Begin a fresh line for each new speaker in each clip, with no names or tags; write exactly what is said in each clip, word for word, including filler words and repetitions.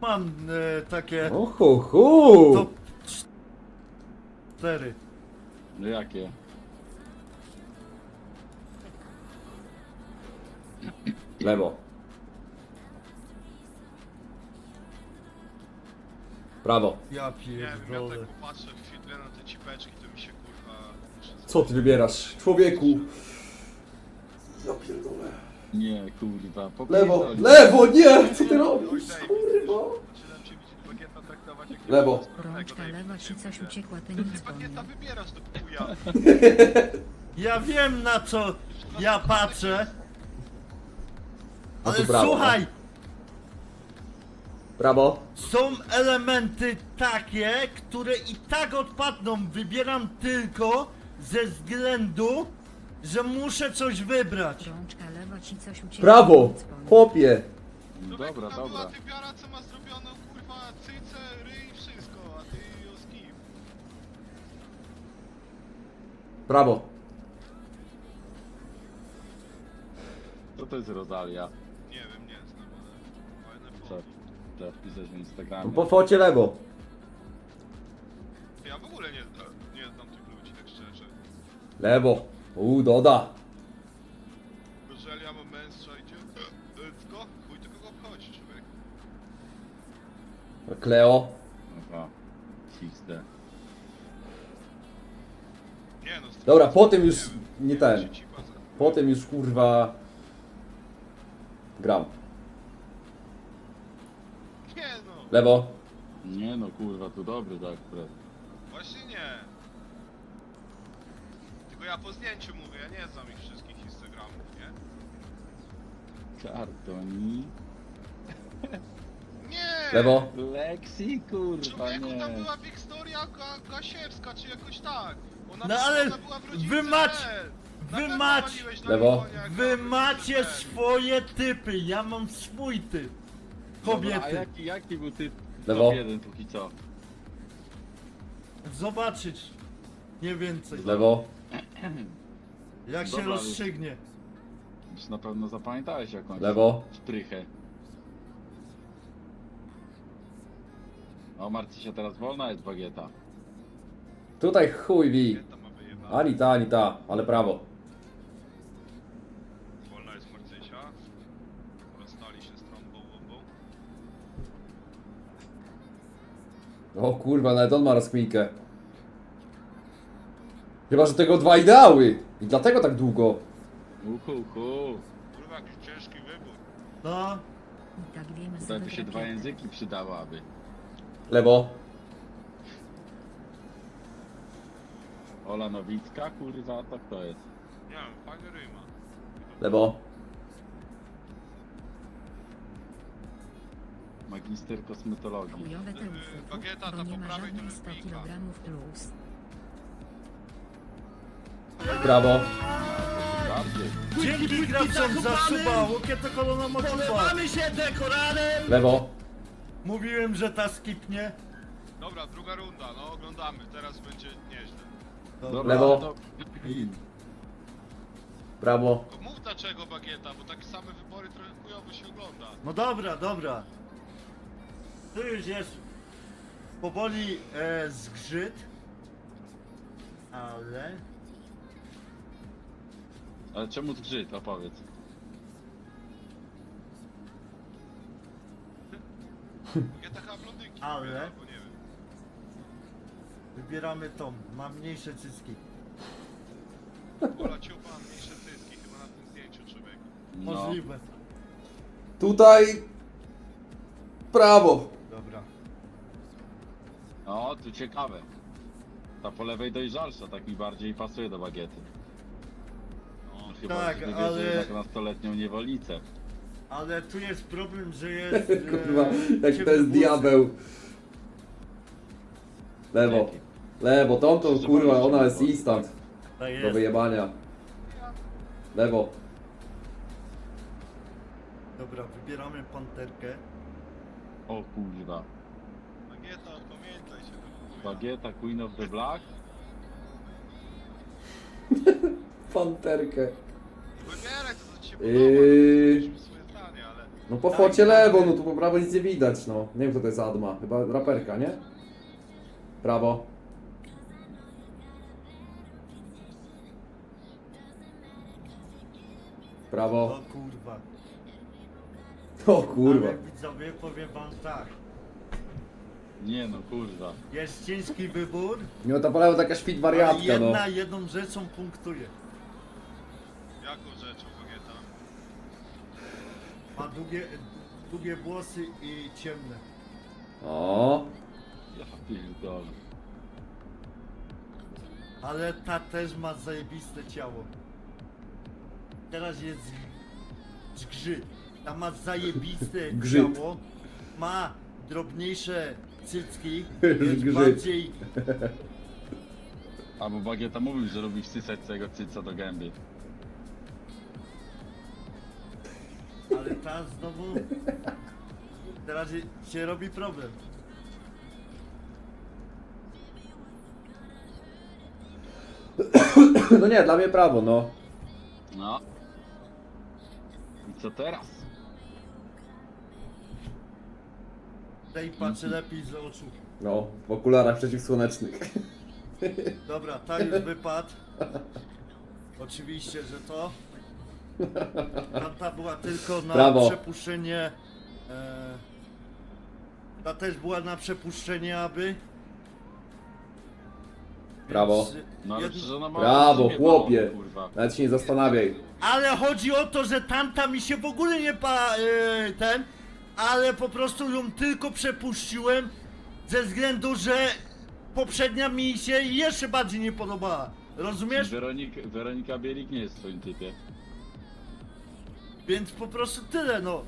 Mam e, takie
O hu hu.
top cztery.
No jakie?
Lewo. Prawo.
Ja
Nie wiem, ja
pierdolę.
tak popatrzę chwilę na te cipeczki, to mi się kurwa... muszę
Co ty wybierasz, człowieku? Ja pierdolę.
Nie, kurwa, po
Lewo, lewo, nie! Co ty
Oj,
robisz,
David,
kurwa?
Zaczynam cię widzieć bagieta traktować jak...
Lewo.
niepełnosprawnego,
Rączka
David,
lewa ci
nie
coś
wiem.
uciekła, to
To
nic
ty bagieta
wolno.
wybierasz do chuja.
Ja wiem na co ja patrzę.
A tu
Ale
prawo,
słuchaj,
Prawo.
są elementy takie, które i tak odpadną. Wybieram tylko ze względu, że muszę coś wybrać.
Rączka lewa ci coś uciekła,
Prawo.
to nic wolno.
Chłopie.
Człowieku,
Dobra,
tam była
dobra.
typiara, co ma zrobioną kurwa cycę, ryj, wszystko, a ty ją skip.
Prawo.
Co to jest Rosalia?
Nie wiem, nie znam, ale fajne
Co?
foto.
Trzeba wpisać w Instagramie.
Po focie lewo.
Ja w ogóle nie, nie znam tych ludzi, tak szczerze.
Lewo. U, doda.
Jeżeli ja mam męstwa idzie, tylko chuj to kogo obchodzi, człowiek.
Kleo.
Aha. X D.
Nie no,
Dobra, potem już
wiem,
nie
wiem,
ten.
się cipa za-
Potem już kurwa. Gram.
Nie no,
Lewo.
Nie no, kurwa, tu dobry tak akurat.
właśnie nie. Tylko ja po zdjęciu mówię, ja nie znam ich wszystkich Instagramów, nie?
Kartoni.
Nie!
Lewo.
Lexi, kurwa,
Człowieku,
nie.
tam była Wiktoria Ga Gasiewska, czy jakoś tak. Ona,
No
była-
ale
ona była w rodzince
wy mać-
L.
wy
Na pewno
mać-
waliłeś na
Lewo.
Limonie, jak
Wy
była w
macie
rodzince L.
swoje typy, ja mam swój typ.
Dobra, a
Kobiety.
jaki, jaki był typ?
Lewo.
Top jeden póki co.
Zobaczyć. Nie więcej.
Lewo.
Jak się
Dobra,
rozstrzygnie.
Już na pewno zapamiętałeś jakąś
Lewo.
szprychę. O, Marci się teraz wolna jest bagieta.
Tutaj chuj wi.
Kobieta ma wyjebane.
Ani ta, ani ta, ale prawo.
Wolna jest Marcysia. Rozstali się z trąbą łobą.
O kurwa, nawet on ma rozkminkę. Chyba, że tego dwa ideały. I dlatego tak długo.
Uhu, uhu.
Kurwa, jakiś ciężki wybór.
No,
I tak wiemy,
Tutaj by
sobie
się dwa
rakietę.
języki przydałaby.
Lewo.
Ola Nowicka, kurwa, to kto jest?
Nie wiem, fajny ryma.
Lewo.
Magister kosmetologii.
Chujowe te
Yy,
ufufu,
bagieta,
bo
ta
nie
po
ma
prawej to
żadnych
jest
sto
Milka.
kilogramów plus.
Prawo.
Bardziej.
dzięki graczom za suba, łokieta kolona mocowa.
się dekoranem!
Lewo.
Mówiłem, że ta skipnie.
Dobra, druga runda, no oglądamy. Teraz będzie nieźle.
Dobra,
Lewo.
to-
Prawo.
Tylko mów dlaczego bagieta, bo takie same wybory trochę chujowo się ogląda.
No dobra, dobra. Tu już jest powoli e, zgrzyt. Ale...
Ale czemu zgrzyt, opowiedz.
Bagieta chyba blondynki
Ale-
wybiera, albo nie wiem.
Wybieramy tą, ma mniejsze cycki.
Ola ciupa, mniejsze cycki chyba na tym zdjęciu, człowieku.
No.
Możliwe.
Tutaj. Prawo.
Dobra.
O, tu ciekawe. Ta po lewej dojrzalsza, tak mi bardziej pasuje do bagiety. No, chyba,
tak,
że wybierze
ale-
jednak nastoletnią niewolicę.
Ale tu jest problem, że jest... e,
Kurwa, jaki to
ciemny
jest
włosy.
diabeł. Lewo. Lewo, tą to kurwa, ona jest instant.
Tak
Do
jest.
wyjebania. Lewo.
Dobra, wybieramy panterkę.
O kurwa.
Bagieta, pamiętaj się. do chuja.
Bagieta Queen of the Black?
Panterkę.
Wybieraj to, co ci się
Yy.
podoba. Yy... swoje zdanie, ale...
No po focie lewo, no tu po prawo nic nie widać, no. Nie wiem kto to jest Adma, chyba raperka, nie? Prawo. Prawo.
O kurwa.
O kurwa.
Ale widzowie, powiem wam tak.
Nie no, kurwa.
Jest ciężki wybór,
Nie, no to po lewo taka świt
ale
wariatka, no.
jedna jedną rzeczą punktuje.
Jaką rzeczą, Bagieta?
Ma długie, długie włosy i ciemne.
O,
Ja pierdolę.
Ale ta też ma zajebiste ciało. Teraz jest zgrzyt. Ta ma zajebiste
Grzyt.
ciało. Ma drobniejsze cycki.
Grzyt.
Jest bardziej...
Albo Bagieta mówił, że lubi wsysać swojego cyca do gęby.
Ale ta znowu... Teraz się robi problem.
no nie, dla mnie prawo, no.
No. I co teraz?
Tej patrzy lepiej z oczu.
No, w okularach przeciwsłonecznych.
Dobra, ta już wypadł. Oczywiście, że to. Tamta była tylko na
Brawo.
przepuszczenie. E, ta też była na przepuszczenie, aby.
Brawo.
Więc,
No ale
jedno-
przecież ona ma...
Brawo,
rozumie
chłopie.
balon, kurwa.
Nawet się nie zastanawiaj.
Ale chodzi o to, że tamta mi się w ogóle nie pa. E, ten. Ale po prostu ją tylko przepuściłem. Ze względu, że poprzednia mi się jeszcze bardziej nie podobała. Rozumiesz?
Weronika, Weronika Bielik nie jest w twoim typie.
Więc po prostu tyle, no.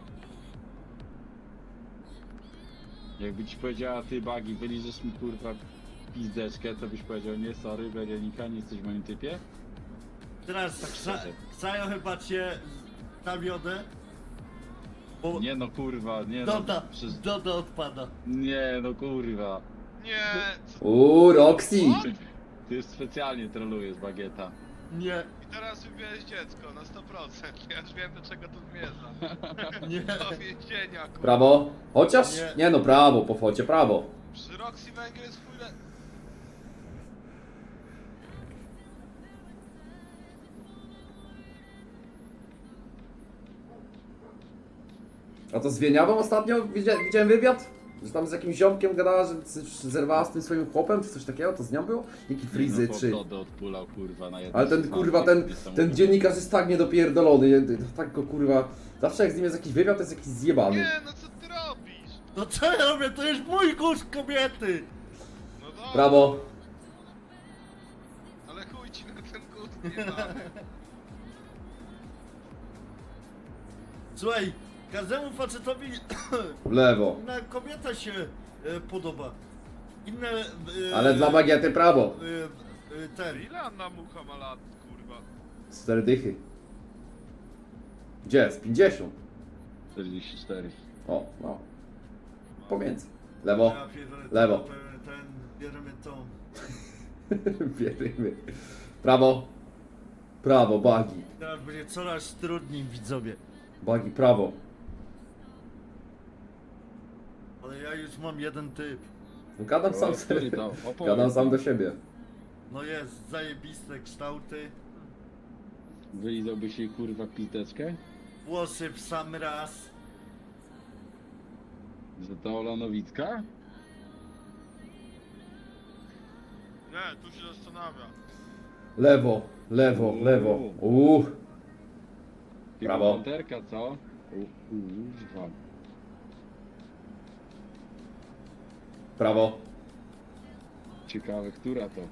Jakby ci powiedziała, ty Bagi, wyliżesz mi kurwa pizdeczkę, to byś powiedział, nie sorry Weronika, nie jesteś w moim typie?
Teraz
Tak
Ksa-
szczerze.
Ksajo chyba cię zawiodę. Bo
Nie no kurwa, nie no.
Doda,
Przez...
Doda odpada.
Nie no kurwa.
Nie, co?
Uuu, Roxy.
Ty już specjalnie trolujesz Bagieta.
Nie,
I teraz wybierz dziecko na sto procent. Ja już wiem do czego to zmierza.
nie.
Do więzienia, kurwa.
Prawo. Chociaż?
Nie.
Nie no, prawo, po focie, prawo.
Przy Roxy Węgiel jest chuj le...
A to z Wieniawą ostatnio widzia, widziałem wywiad? Że tam z jakimś ziomkiem gadała, że c- zerwała z tym swoim chłopem, czy coś takiego? To z nią było? Jaki frizy,
no,
czy...
Dodę odpulał kurwa na jednym
Ale ten
z
kurwa,
znanych,
ten,
niesamowite.
ten dziennikarz jest tak niedopierdolony, nie- tak go kurwa... Zawsze jak z nim jest jakiś wywiad, to jest jakiś zjebany.
Nie, no co ty robisz?
No co ja robię? To jest mój gust kobiety.
No dobra,
Prawo.
ale chuj ci na ten gust nie mamy.
Słuchaj, każdemu facetowi
Lewo.
inna kobieta się e, podoba. Inne... E,
Ale dla bagiety prawo.
E, e, ten.
Ile Anna Mucha ma lat, kurwa?
Cztery dychy. Gdzie jest? pięćdziesiąt.
czterdzieści cztery.
O, no. Pomiędzy. Lewo.
Ja pierdolę,
Lewo.
Ten, ten, bierzemy tą.
Bierzemy. Prawo. Prawo, bagi.
Teraz będzie coraz trudniej, widzowie.
Bagi, prawo.
Ale ja już mam jeden typ.
No, gadam sam
O, który
sobie.
to? Opowiedz
Gadam sam
nam.
do siebie.
No jest, zajebiste kształty.
Wylizałbyś jej kurwa pizdeczkę?
Włosy w sam raz.
Że to Ola Nowicka?
Nie, tu się zastanawia.
Lewo, lewo, lewo. Uuu.
Chyba
Brawo.
Panterka, co? O kurwa.
Prawo.
Ciekawe, która to?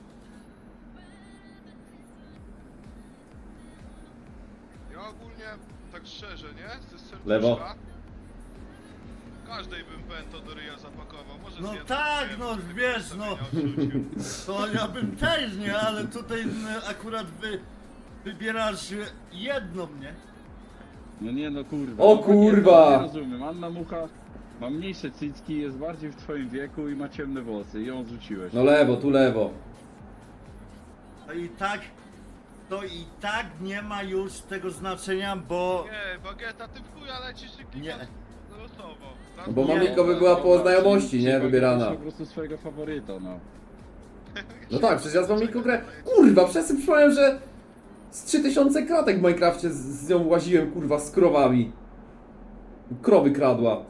Ja ogólnie, tak szczerze, nie? Ze serduszka,
Lewo.
każdej bym pęto do ryja zapakował. Może
No
z jedną
tak,
wiem,
no,
żeby
wiesz,
sobie
no.
nie odrzucił.
To ja bym też, nie? Ale tutaj m, akurat wy wybierasz jedną, nie?
No nie no kurwa.
O
No,
kurwa!
Nie rozumiem, Anna Mucha ma mniejsze cycki, jest bardziej w twoim wieku i ma ciemne włosy i ją zrzuciłeś.
No lewo, tu lewo.
A i tak to i tak nie ma już tego znaczenia, bo...
Nie, Bagieta, ty w chuja lecisz i
Nie.
klikasz losowo.
No bo
Nie.
Mamiko by była po znajomości, nie? Wybierana.
Po prostu swojego faworyta, no.
No tak, przecież ja z Mamiką grę... Kurwa, przez tym przypomniałem, że z trzy tysiące kratek w Minecrafcie z, z nią łaziłem, kurwa, z krowami. Krowy kradła.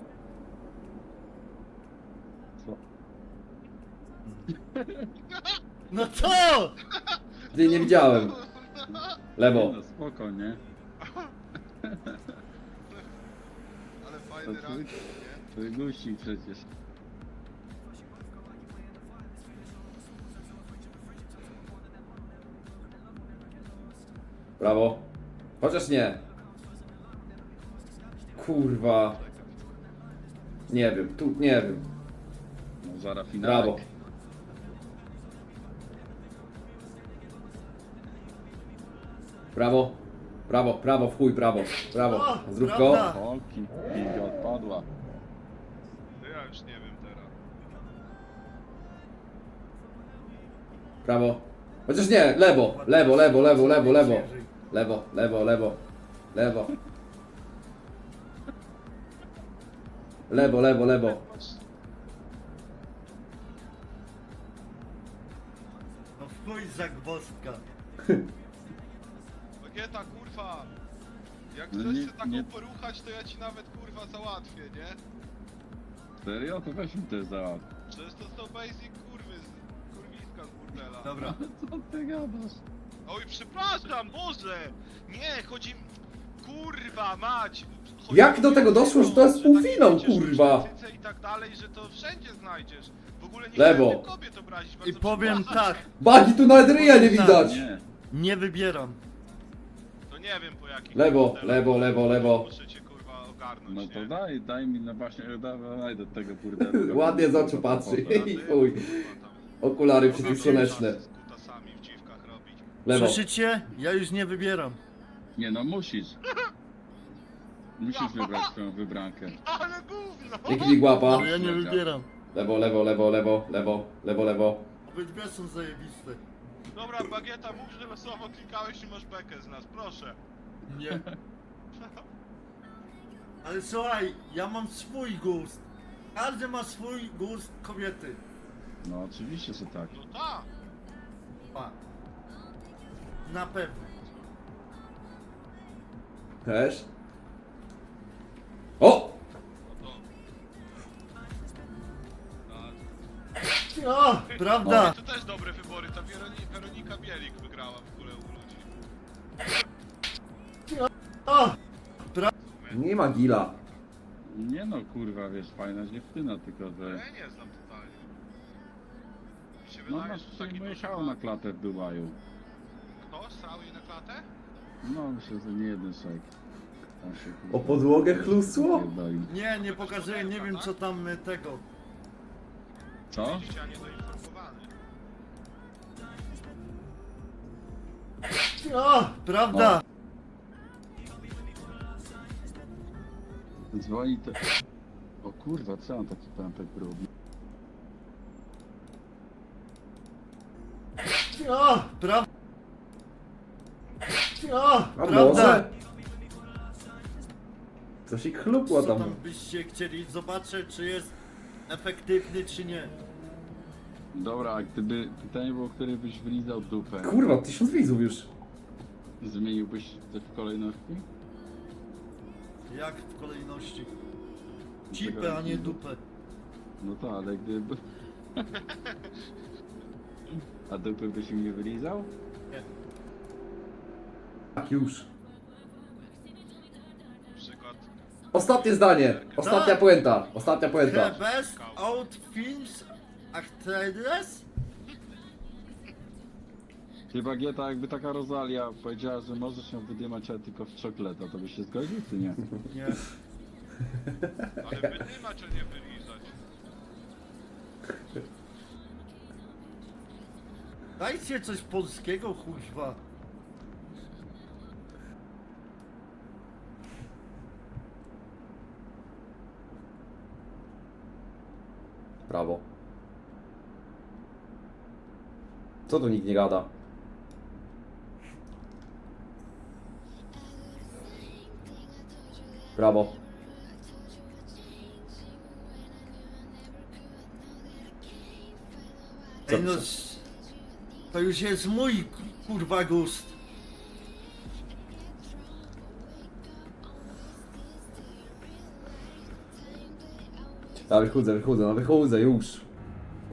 No co?
Ty nie widziałem. Lewo.
No spoko, nie?
Ale
To
fajny
twój,
ranking, nie?
twój guścik przecież.
Brawo. Chociaż nie. Kurwa. Nie wiem, tu nie wiem.
No zara finałek.
Brawo. Brawo. Brawo, prawo, w chuj, prawo. Brawo.
O,
Zrób
prawda.
go.
Polki, piłka odpadła.
To ja już nie wiem teraz.
Prawo. Chociaż nie, lewo, lewo, lewo, lewo, lewo, lewo. Lewo, lewo, lewo. Lewo. Lewo, lewo, lewo.
No w chuj zagwozdka.
Bagieta, kurwa! Jak
No
chcesz
nie-
się taką
nie-
poruchać, to ja ci nawet kurwa załatwię, nie?
Serio? To weź mi też załatw.
Przecież to są basic kurwy z kurwiska z burdela.
Dobra.
Co ty gadasz?
Oj, przepraszam, Boże! Nie, chodzi... Kurwa, mać! Chodzi
Jak do tego doszło, że to jest
tak
półfinał,
będziesz
kurwa?
różnicy I tak dalej, że to wszędzie znajdziesz. W ogóle nie
Lewo.
chciałem tych kobiet obrazić,
I
bardzo
powiem
przepraszam.
tak,
Bagi, tu nawet ryja nie widać.
Nie.
nie wybieram.
To nie wiem po jakich...
Lewo,
modelach,
lewo, lewo, lewo.
Muszę cię kurwa ogarnąć,
No
nie?
to daj, daj mi, no właśnie, daj, daj do tego burdelu.
Ładnie z oczu patrzy.
A ty,
I chuj.
kurwa, tam-
Okulary
Mogę
przeciwsłoneczne.
czasy z kutasami w dziwkach robić.
Lewo.
Słyszycie? Ja już nie wybieram.
Nie no, musisz. Musisz wybrać swoją wybrankę.
Ale gówno!
Jaki łapa.
Ale ja nie wybieram.
Lewo, lewo, lewo, lewo, lewo, lewo, lewo.
Obydwie są zajebiste.
Dobra, Bagieta, mów, że losowo klikałeś i masz bekę z nas, proszę.
Nie. Ale słuchaj, ja mam swój gust. Każdy ma swój gust kobiety.
No oczywiście, że tak.
No tak.
Pa. Na pewno.
Też. O!
No to... Tak.
O, prawda?
To też dobre wybory, ta Weroni Weronika Bielik wygrała w ogóle u ludzi.
O,
Nie ma gila.
Nie no, kurwa, wiesz, fajna dziewczyna, tylko
Ja
że...
jej nie znam totalnie. Mi się
No
wydaje,
masz
że
tutaj
taki
moje
duży
ciało
ma-
na klatę w Dubaju.
Kto? Srał jej na klatę?
No, myślę, że nie jeden szejk. Tam się, kurwa,
O podłogę chlusło?
pierdoli.
nie, nie pokazuję, nie wiem co tam y, tego.
Co?
Widzicie, a nie doinformowany.
O, prawda?
Dzwoni to... O kurwa, co on taki pępek robi?
O, prawda? O,
A
prawda?
może? Coś ich chlupło
Co
tam.
tam byście chcieli zobaczyć, czy jest efektywny, czy nie?
Dobra, a gdyby pytanie było, który byś wylizał dupę,
Kurwa, tysiąc widzów już.
zmieniłbyś te w kolejności?
Jak w kolejności? Cipę, a nie dupę.
No to, ale gdyby... A dupy byś mi nie wylizał?
Tak już.
Na przykład...
Ostatnie zdanie. Ostatnia
Tak.
puenta. Ostatnia puenta.
The best out films actress?
Ty Bagieta, jakby taka Rosalia powiedziała, że możesz ją wydymać, ale tylko w czokoleta, to byś się zgodził, czy nie?
Nie.
Ale wydymać, a nie wylizać.
Dajcie coś polskiego, chuźwa.
Brawo. Co tu nikt nie gada? Brawo.
Ej, no, s- to już jest mój kurwa gust.
Ja wychodzę, wychodzę, no wychodzę już.